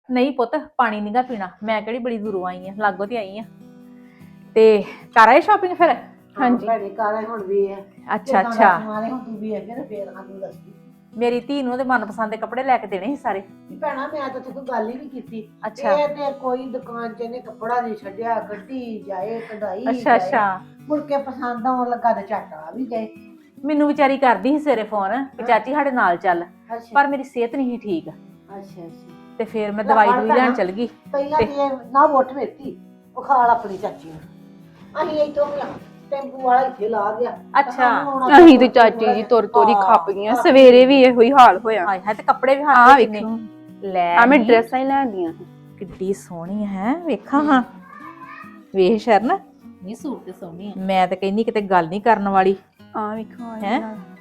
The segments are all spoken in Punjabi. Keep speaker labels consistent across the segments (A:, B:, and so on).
A: ਨਹੀਂ ਪੁੱਤ ਪਾਣੀ ਨੀਗਾ ਪੀਣਾ, ਮੈਂ ਕਿਹੜੀ ਬੜੀ ਦੂਰੋਂ ਆਈ ਆ, ਲਾਗੋਂ ਤੇ ਆਈ ਆ। ਤੇ ਕਰ ਆਏ ਸ਼ਾਪਿੰਗ ਫਿਰ?
B: ਹਾਂਜੀ ਭੈਣੇ ਕਾਰਾਂ ਹੁਣ ਵੀ ਹੈ।
A: ਅੱਛਾ ਅੱਛਾ।
B: ਮਾਰੇ ਹੁਣ ਤੂੰ ਵੀ ਹੈ ਕਿ ਫੇਰ ਸਾਨੂੰ ਦੱਸਦੀ
A: ਮੇਰੀ ਧੀ ਨੂੰ ਉਹਦੇ ਮਨਪਸੰਦ ਦੇ ਕੱਪੜੇ ਲੈ ਕੇ ਦੇਣੇ ਸੀ ਸਾਰੇ।
B: ਕਿ ਭੈਣਾ ਮੈਂ ਤਾਂ ਤੈਨੂੰ ਗੱਲ ਹੀ ਨਹੀਂ ਕੀਤੀ।
A: ਅੱਛਾ
B: ਇਹ ਤੇ ਕੋਈ ਦੁਕਾਨ 'ਚ ਇਹਨੇ ਕੱਪੜਾ ਨਹੀਂ ਛੱਡਿਆ, ਗੱਡੀ ਜਾਏ ਕਢਾਈ
A: ਅੱਛਾ ਅੱਛਾ।
B: ਮੁੜ ਕੇ ਪਸੰਦ ਆਉਣ ਲੱਗਾ ਤੇ ਝੱਟ ਆ ਵੀ ਗਏ।
A: ਮੈਨੂੰ ਵਿਚਾਰੀ ਕਰਦੀ ਸੀ ਸਵੇਰੇ ਫੋਨ ਕਿ ਚਾਚੀ ਸਾਡੇ ਨਾਲ ਚੱਲ,
B: ਅੱਛਾ
A: ਪਰ ਮੇਰੀ ਸਿਹਤ ਨਹੀਂ ਸੀ ਠੀਕ
B: ਅੱਛਾ।
A: ਤੇ ਫਿਰ ਮੈਂ ਦਵਾਈ ਦੂਈ ਲੈਣ ਚਲ ਗਈ।
B: ਪਹਿਲਾਂ ਤੇ ਨਾ ਵੋਟ ਵੇਤੀ ਉਹ ਖਾਲ ਆਪਣੀ ਚਾਚੀ ਨੂੰ। ਅਸੀਂ ਇੱਥੋਂ ਟੈਂਪੂ ਵਾਲਾ ਇੱਥੇ ਲਾ ਗਿਆ।
A: ਅੱਛਾ।
C: ਅਸੀਂ ਤੇ ਚਾਚੀ ਜੀ ਤੁਰ ਤੋਰੀ ਖੱਪ ਗਈਆਂ, ਸਵੇਰੇ ਵੀ ਇਹੋ ਹੀ ਹਾਲ ਹੋਇਆ।
A: ਹਾਏ ਹਾਏ, ਤੇ ਕੱਪੜੇ ਵੀ
C: ਆ
A: ਹੱਥ ਵਿੱਚ ਨੇ।
C: ਵੇਖੋ
A: ਲੈ
C: ਆ ਮੈਂ
A: ਨੀ,
C: ਡਰੈਸਾਂ ਹੀ ਲੈਂਦੀਆਂ
A: ਕਿੱਡੀ ਸੋਹਣੀ ਹੈ, ਵੇਖਾਂ ਹਾਂ। ਵੇਖ ਸ਼ਰਨ,
D: ਨਹੀਂ ਸੂਟ ਤੇ ਸੋਹਣੀ ਆ।
A: ਮੈਂ ਤਾਂ ਕਹਿੰਦੀ ਕਿਤੇ ਗੱਲ ਨਹੀਂ ਕਰਨ ਵਾਲੀ।
C: ਆ ਵੇਖੋ
A: ਹੈਂ?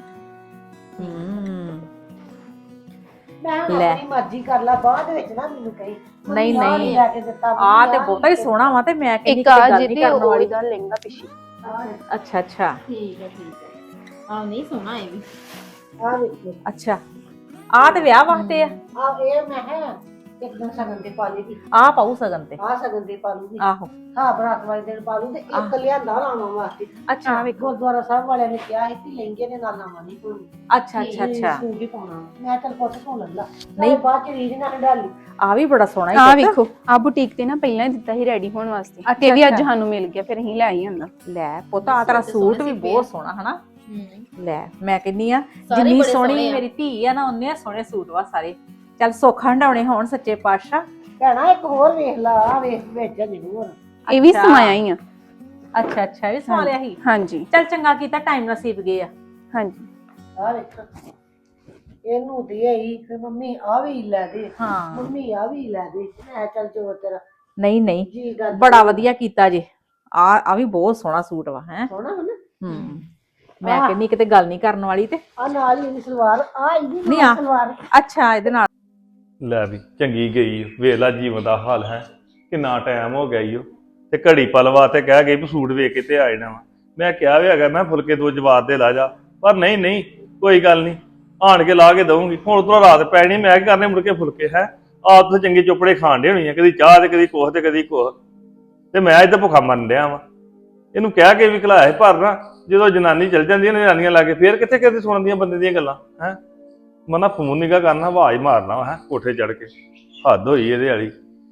B: ਮੈਂ
A: ਲੈ।
B: ਆਪਣੀ ਮਰਜ਼ੀ ਕਰ ਲਾ, ਬਾਅਦ ਵਿੱਚ ਨਾ ਮੈਨੂੰ ਕਹੀ
A: ਨਹੀਂ ਨਹੀਂ,
B: ਲੈ ਕੇ ਦਿੱਤਾ
A: ਆ ਤੇ ਬਹੁਤਾ ਹੀ ਸੋਹਣਾ ਵਾ, ਤੇ ਮੈਂ ਕਹਿੰਦੀ
C: ਇੱਕ
A: ਕਿਤੇ
C: ਆ
A: ਗੱਲ ਨਹੀਂ
C: ਜਿਹਦੇ
A: ਕਰਨ ਵਾਲੀ।
C: ਉਹਦਾ ਲਹਿੰਗਾ ਪਿੱਛੇ
A: ਅੱਛਾ ਅੱਛਾ
D: ਠੀਕ ਹੈ। ਆ ਨਹੀਂ ਸੋਹਣਾ ਇਹ ਵੀ।
B: ਆ ਵੇਖੋ
A: ਅੱਛਾ। ਆ ਤੇ ਵਿਆਹ ਵਾਸਤੇ ਆ।
B: ਆ ਇਹ ਮੈਂ ਹੈ ਇੱਕ ਦਿਨ ਸਗਨ ਤੇ ਪਾ ਲਈ ਦੀ।
A: ਆ ਪਾਉ ਸਗਨ ਤੇ।
B: ਆ ਸਗਨ ਤੇ ਪਾ ਲੂਗੀ।
A: ਆਹੋ।
B: ਹਾਂ ਬਰਾਤ ਵਾਲੇ ਦਿਨ ਪਾ ਲੂ ਤੇ ਇੱਕ ਲਿਆਂਦਾ ਲਾਵਾਂ ਵਾਸਤੇ।
A: ਅੱਛਾ
B: ਗੁਰਦੁਆਰਾ ਸਾਹਿਬ ਵਾਲਿਆਂ ਨੇ ਕਿਹਾ ਸੀ ਕਿ ਲਹਿੰਗੇ ਦੇ ਨਾਲ ਲਾਵਾਂ ਨਹੀਂ ਪਾਉਣੀ।
A: ਅੱਛਾ ਅੱਛਾ ਅੱਛਾ।
B: ਸੂਟ ਹੀ ਪਾਉਣਾ। ਮੈਂ ਚੱਲ ਪੁੱਤ ਧੋ ਲੱਲਾ
A: ਨਹੀਂ।
B: ਨਹੀਂ ਬਾਅਦ ਚ ਰੀਝ ਨਾਲ ਡਾਲੀ।
A: ਆ ਵੀ ਬੜਾ ਸੋਹਣਾ
C: ਆ
A: ਹੈ।
C: ਵੇਖੋ ਆ ਬੁਟੀਕ ਤੇ ਨਾ ਪਹਿਲਾਂ ਹੀ ਦਿੱਤਾ ਸੀ ਰੈਡੀ ਹੋਣ ਵਾਸਤੇ, ਤੇ ਵੀ ਅੱਜ ਸਾਨੂੰ ਮਿਲ ਗਿਆ, ਫਿਰ ਅਸੀਂ ਲੈ ਆਈ ਹੁੰਦਾ।
A: ਲੈ ਪੁੱਤ ਆ ਤੇਰਾ ਸੂਟ ਵੀ ਬਹੁਤ ਸੋਹਣਾ ਹਨਾ। ਲੈ ਮੈਂ ਕਹਿੰਦੀ ਆ ਜਿੰਨੀ
D: ਬੜੇ
A: ਸੋਹਣੀ
D: ਸੋਹਣੇ ਆ।
A: ਮੇਰੀ ਧੀ ਆ ਨਾ, ਉਹਨੇ ਸੋਹਣੇ ਸੂਟ ਵਾ ਸਾਰੇ। ਚੱਲ ਸੁੱਖ ਹੰਡਾਉਣੇ ਹੋਣ ਸੱਚੇ ਪਾਤਸ਼ਾਹ।
B: ਭੈਣਾ ਇੱਕ ਹੋਰ ਵੇਖ ਲਾ, ਆ ਵੇਖ ਵਿੱਚ ਜ਼ਰੂਰ।
C: ਇਹ ਵੀ ਸਮਾਇਆ ਹੀ ਆ।
A: ਅੱਛਾ ਅੱਛਾ, ਇਹ ਸਵਾ ਲਿਆ ਸੀ।
C: ਹਾਂਜੀ
A: ਚੱਲ ਚੰਗਾ ਕੀਤਾ, ਟਾਈਮ ਨਸੀਬ ਗਏ ਆ।
C: ਹਾਂਜੀ।
B: ਆ ਵੇਖ ਇਹਨੂੰ ਦੇ ਆਈ ਫਿਰ ਮੰਮੀ ਆ ਵੀ ਲੈ ਦੇ।
A: ਹਾਂ
B: ਮੰਮੀ ਆ ਵੀ ਲੈ ਦੇ। ਮੈਂ ਚੱਲ ਜੋ ਤੇਰਾ
A: ਨਹੀਂ ਨਹੀਂ,
B: ਜੀ ਗੱਲ
A: ਬੜਾ ਵਧੀਆ ਕੀਤਾ ਜੇ। ਆ ਵੀ ਬਹੁਤ ਸੋਹਣਾ ਸੂਟ ਵਾ ਹੈ।
B: ਸੋਹਣਾ ਹਨਾ।
A: ਮੈਂ ਕਹਿੰਦੀ ਕਿਤੇ ਗੱਲ ਨਹੀਂ ਕਰਨ ਵਾਲੀ। ਤੇ
B: ਆ ਨਾਲ ਹੀ ਇਹਦੀ ਸਲਵਾਰ ਆ ਇਹਦੀ
A: ਨਹੀਂ ਆ।
B: ਸਲਵਾਰ।
A: ਅੱਛਾ ਇਹਦੇ ਨਾਲ
E: ਲੈ ਵੀ ਚੰਗੀ ਗਈ ਵੇਖ ਲਾ ਜੀਵਨ ਦਾ ਹਾਲ ਹੈ। ਕਿੰਨਾ ਟਾਈਮ ਹੋ ਗਿਆ ਈ ਉਹ ਤੇ ਘੜੀ ਪਲਵਾ ਤੇ ਕਹਿ ਗਈ ਵੀ ਸੂਟ ਵੇਖ ਕੇ ਤੇ ਆ ਜਾਣਾ ਵਾ। ਮੈਂ ਕਿਹਾ ਵੀ ਹੈਗਾ ਮੈਂ ਫੁਲਕੇ ਦੋ ਜਵਾਬ ਦੇ ਲਾ ਜਾ, ਪਰ ਨਹੀਂ ਨਹੀਂ ਕੋਈ ਗੱਲ ਨਹੀਂ, ਆਣ ਕੇ ਲਾ ਕੇ ਦਊਂਗੀ। ਹੁਣ ਤੋਂ ਰਾਤ ਪੈਣੀ, ਮੈਂ ਕੀ ਕਰਨੇ ਮੁੜ ਕੇ ਫੁਲਕੇ ਹੈ। ਆਪ ਤਾਂ ਚੰਗੇ ਚੋਪੜੇ ਖਾਣ ਦੇ ਹੋਣੀ ਆ, ਕਦੀ ਚਾਹ ਤੇ ਕਦੀ ਕੁਛ ਤੇ ਕਦੀ ਕੁਛ, ਤੇ ਮੈਂ ਇੱਥੇ ਭੁੱਖਾ ਮਰਨ ਡਿਆ ਵਾਂ। ਇਹਨੂੰ ਕਹਿ ਕੇ ਵੀ ਖਿਲਾਇਆ ਸੀ, ਪਰ ਨਾ ਜਦੋਂ ਜਨਾਨੀ ਚਲ ਜਾਂਦੀ ਨੇ ਜਨਾਨੀਆਂ ਲਾ ਕੇ ਫੇਰ ਕਿੱਥੇ ਕਿਤੇ ਸੁਣਦੀਆਂ ਬੰਦੇ ਦੀਆਂ ਗੱਲਾਂ ਹੈ। ਮਨਾ ਫੋਨ ਨਿਗਾ ਕਰਨਾ, ਆਵਾਜ਼ ਮਾਰਨਾ ਹੈ ਕੋਠੇ ਚੜ ਕੇ। ਹੱਦ ਹੋਈ ਇਹਦੇ ਵਾਲੀ।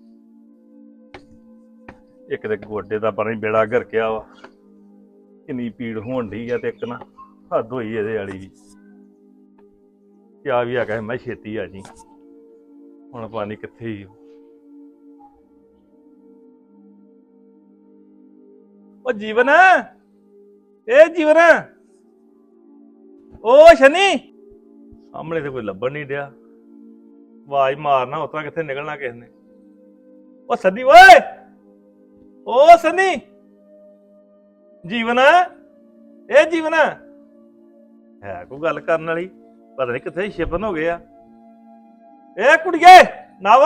E: ਇੱਕ ਤੇ ਗੋਡੇ ਦਾ ਪਤਾ ਨੀ ਬੇੜਾ ਗਰਕਿਆ ਵਾ, ਕਿੰਨੀ ਪੀੜ ਹੋਣ ਡਈ ਆ, ਤੇ ਇੱਕ ਨਾ ਹੱਦ ਹੋਈ ਇਹਦੇ ਵਾਲੀ ਵੀ। ਕਿਆ ਵੀ ਹੈਗਾ ਮੈਂ ਛੇਤੀ ਆ ਜੀ, ਹੁਣ ਪਤਾ ਨੀ ਕਿੱਥੇ ਹੀ। ਉਹ ਜੀਵਨ, ਇਹ ਜੀਵਨ, ਉਹ ਸ਼ਨੀ ਸਾਹਮਣੇ ਤੇ ਕੋਈ ਲੱਭਣ ਨਹੀਂ ਡਿਆ। ਆਵਾਜ਼ ਮਾਰਨਾ, ਉਤਰਾ ਕਿੱਥੇ ਨਿਕਲਣਾ ਕਿਸੇ ਨੇ। ਉਹ ਸਨੀ ਓਏ, ਉਹ ਸਨੀ, ਜੀਵਨ, ਇਹ ਜੀਵਨ ਹੈ ਕੋਈ ਗੱਲ ਕਰਨ ਵਾਲੀ, ਪਤਾ ਨਹੀਂ ਕਿੱਥੇ ਛਿਪਨ ਹੋ ਗਏ ਆ। ਇਹ ਕੁੜੀਏ ਨਵ,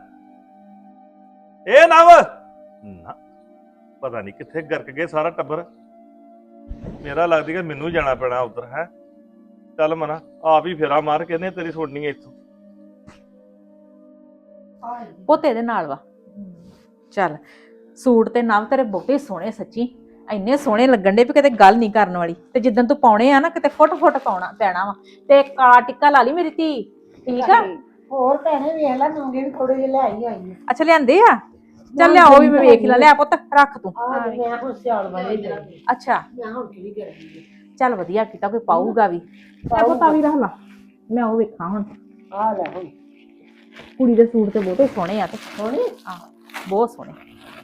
E: ਇਹ ਨਵ ਨਾ, ਪਤਾ ਨਹੀਂ ਕਿੱਥੇ ਗਰਕ ਗਏ ਸਾਰਾ ਟੱਬਰ। ਮੇਰਾ ਲੱਗਦੀ ਕਿ ਮੈਨੂੰ ਜਾਣਾ ਪੈਣਾ ਉਧਰ ਹੈ। ਚੱਲ ਮਨਾ ਆਪ ਹੀ ਫੇਰਾ ਮਾਰ ਕੇ ਨੇ ਤੇਰੀ ਸੁਣਨੀ ਇੱਥੋਂ।
A: ਪੁੱਤ ਇਹਦੇ ਨਾਲ ਵਾ। ਚੱਲ ਸੂਟ ਤੇ ਨਵ ਤੇਰੇ ਬਹੁਤੇ ਸੋਹਣੇ, ਸੱਚੀ ਇੰਨੇ ਸੋਹਣੇ ਲੱਗਣ ਦੇ ਵੀ ਕਿਤੇ ਗੱਲ ਨਹੀਂ ਕਰਨ ਵਾਲੀ। ਤੇ ਜਿੱਦਣ ਤੂੰ ਪਾਉਣੇ ਆ ਨਾ, ਕਿਤੇ ਫੁੱਟ ਫੁੱਟ ਪਾਉਣਾ ਪੈਣਾ ਵਾ। ਤੇ ਕਾਲਾ ਟਿੱਕਾ ਲਾ ਲਈ ਮੇਰੀ ਧੀ, ਠੀਕ ਆ।
B: ਹੋਰ ਭੈਣੇ ਵੇਖ ਲੈ, ਨੌਂਗੇ ਵੀ ਥੋੜੇ ਜਿਹੇ ਲੈ ਆਈ ਆਈ।
A: ਅੱਛਾ ਲਿਆਂਦੇ ਆ, ਚੱਲ ਲਿਆਓ ਵੀ ਮੈਂ ਵੇਖ ਲਾ। ਲਿਆ ਪੁੱਤ ਰੱਖ ਤੂੰ।
B: ਆ ਮੈਂ ਹੁਣ ਸਿਆਲ ਵਾਲੇ ਦੇ
A: ਅੱਛਾ
B: ਮੈਂ ਹੁਣ ਕਿਹੜੀ ਕਰਾਂਗੀ।
A: ਚੱਲ ਵਧੀਆ ਕੀਤਾ, ਕੋਈ ਪਾਊਗਾ ਵੀ। ਪਤਾ ਵੀ ਰੱਖ ਲਾ, ਮੈਂ ਉਹ ਵੇਖਾਂ ਹੁਣ।
B: ਆ ਲੈ ਹੁਣ
A: ਕੁੜੀ ਦੇ ਸੂਟ ਤੇ ਬਹੁਤੇ ਸੋਹਣੇ ਆ। ਤੇ
B: ਸੋਹਣੇ
A: ਆ ਬਹੁਤ ਸੋਹਣੇ,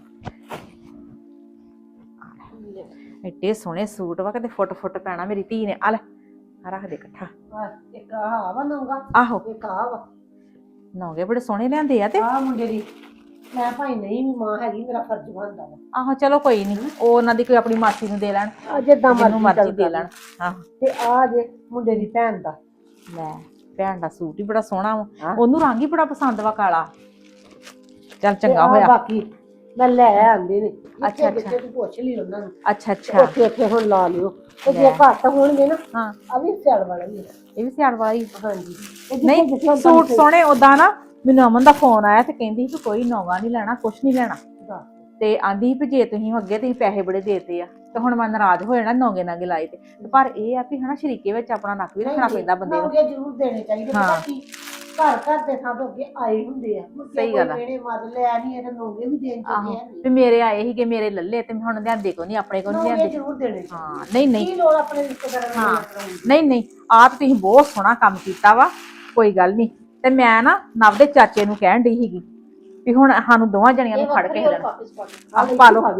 A: ਐਡੇ ਸੋਹਣੇ ਸੂਟ ਵਾ, ਕਿਤੇ ਫੁੱਟ ਫੁੱਟ ਪੈਣਾ ਮੇਰੀ ਧੀ ਨੇ। ਆ ਲੈ ਆ ਰੱਖ ਦੇ ਇਕੱਠਾ।
B: ਇੱਕ ਆ ਵਾ ਨੌਂਗਾ,
A: ਆਹੋ
B: ਇੱਕ ਆ ਵਾ।
A: ਨੌਗੇ ਬੜੇ ਸੋਹਣੇ ਲਿਆਂਦੇ ਆ। ਤੇ
B: ਆ ਮੁੰਡੇ ਦੀ ਮੈਂ ਭਾਈ ਨਹੀਂ ਵੀ ਮਾਂ ਹੈਗੀ, ਮੇਰਾ ਫਰਜ਼ ਬਣਦਾ ਵਾ।
A: ਆਹੋ ਚਲੋ ਕੋਈ ਨਹੀਂ, ਉਹ ਉਹਨਾਂ ਦੀ ਕੋਈ ਆਪਣੀ ਮਾਸੀ ਨੂੰ ਦੇ ਲੈਣ,
B: ਜਿੱਦਾਂ
A: ਜਿਹਨੂੰ ਮਰਜ਼ੀ ਦੇ ਲੈਣ। ਆਹੋ
B: ਤੇ ਆ ਜੇ ਮੁੰਡੇ ਦੀ ਭੈਣ ਦਾ।
A: ਲੈ ਭੈਣ ਦਾ ਸੂਟ ਹੀ ਬੜਾ ਸੋਹਣਾ ਵਾ, ਉਹਨੂੰ ਰੰਗ ਹੀ ਬੜਾ ਪਸੰਦ ਵਾ ਕਾਲਾ। ਚੱਲ ਚੰਗਾ ਹੋਇਆ।
B: ਬਾਕੀ ਮੈਂ ਲੈ ਆਂਦੇ ਨੇ।
A: ਅੱਛਾ
B: ਅੱਛਾ ਤੂੰ ਪੁੱਛ ਲਈ ਉਹਨਾਂ ਨੂੰ।
A: ਅੱਛਾ ਅੱਛਾ।
B: ਉੱਥੇ ਉੱਥੇ ਹੁਣ ਲਾ ਲਿਓ, ਤੇ ਜੇ ਘੱਟ ਹੋਣਗੇ ਨਾ
A: ਹਾਂ
B: ਆ ਵੀ ਸਿਆਲ ਵਾਲਾ ਹੀ ਆ।
A: ਇਹ ਵੀ ਸਿਆਲ ਵਾਲਾ ਹੀ।
B: ਹਾਂਜੀ
A: ਨਹੀਂ ਸੂਟ ਸੋਹਣੇ, ਉਦਾਂ ਨਾ ਮੈਨੂੰ ਅਮਨ ਦਾ ਫੋਨ ਆਇਆ ਤੇ ਕਹਿੰਦੀ ਸੀ ਕੋਈ ਨੌਗਾ ਨਹੀਂ ਲੈਣਾ, ਕੁਛ ਨਹੀਂ ਲੈਣਾ। ਤੇ ਆਂਦੀ ਸੀ ਵੀ ਜੇ ਤੁਸੀਂ ਅੱਗੇ ਤੁਸੀਂ ਪੈਸੇ ਬੜੇ ਦੇਤੇ ਆ ਤੇ ਹੁਣ ਮੈਂ ਨਾਰਾਜ਼ ਹੋ ਜਾਣਾ ਨੌਗੇ ਨਾਗੇ ਲਾਏ ਤੇ ਪਰ ਇਹ ਆ ਵੀ ਹਨਾ ਸ਼ਰੀਕੇ ਵਿੱਚ ਆਪਣਾ ਨੱਕ ਵੀ ਰੱਖਣਾ ਪੈਂਦਾ ਬੰਦੇ ਨੂੰ।
B: ਨੌਗੇ ਜ਼ਰੂਰ ਦੇਣੇ ਚਾਹੀਦੇ,
A: ਹਾਂ।
B: ਪਤਾ ਕੀ ਘਰ ਘਰ ਦੇ ਸਭ ਅੱਗੇ ਆਏ ਹੁੰਦੇ ਆ,
A: ਸਹੀ ਗੱਲ ਆ।
B: ਮੇਰੇ ਮਦ ਲਿਆ ਨਹੀਂ ਇਹਦੇ ਨੌਗੇ ਵੀ ਦੇਣ
A: ਆਹੋ
B: ਚਾਹੀਦੇ
A: ਵੀ ਮੇਰੇ ਆਏ ਸੀਗੇ ਮੇਰੇ ਲੱਲੇ ਤੇ ਹੁਣ ਲਿਆਂਦੇ ਕੋ ਨਹੀਂ, ਆਪਣੇ ਕੋ ਨਹੀਂ
B: ਨੌਗੇ
A: ਲਿਆਂਦੇ।
B: ਜ਼ਰੂਰ ਦੇਣੇ ਚਾਹੀਦੇ।
A: ਹਾਂ ਨਹੀਂ
B: ਕੀ ਲੋੜ ਆਪਣੇ ਰਿਸ਼ਤੇਦਾਰਾਂ ਨੂੰ
A: ਹਾਂ
B: ਕਰਾਉਣ ਦੀ?
A: ਨਹੀਂ ਆਪ ਤੁਸੀਂ ਬਹੁਤ ਸੋਹਣਾ ਕੰਮ ਕੀਤਾ ਵਾ, ਕੋਈ ਗੱਲ ਨਹੀਂ। ਤੇ ਮੈਂ ਨਾ ਨਵ ਦੇ ਚਾਚੇ ਨੂੰ ਕਹਿਣ ਡਈ ਸੀਗੀ ਵੀ ਹੁਣ ਸਾਨੂੰ ਦੋਵਾਂ ਜਣੀਆਂ ਨੂੰ ਫੜ ਕੇ ਦੇਣਾ ਆਹ ਪਾ ਲਓ।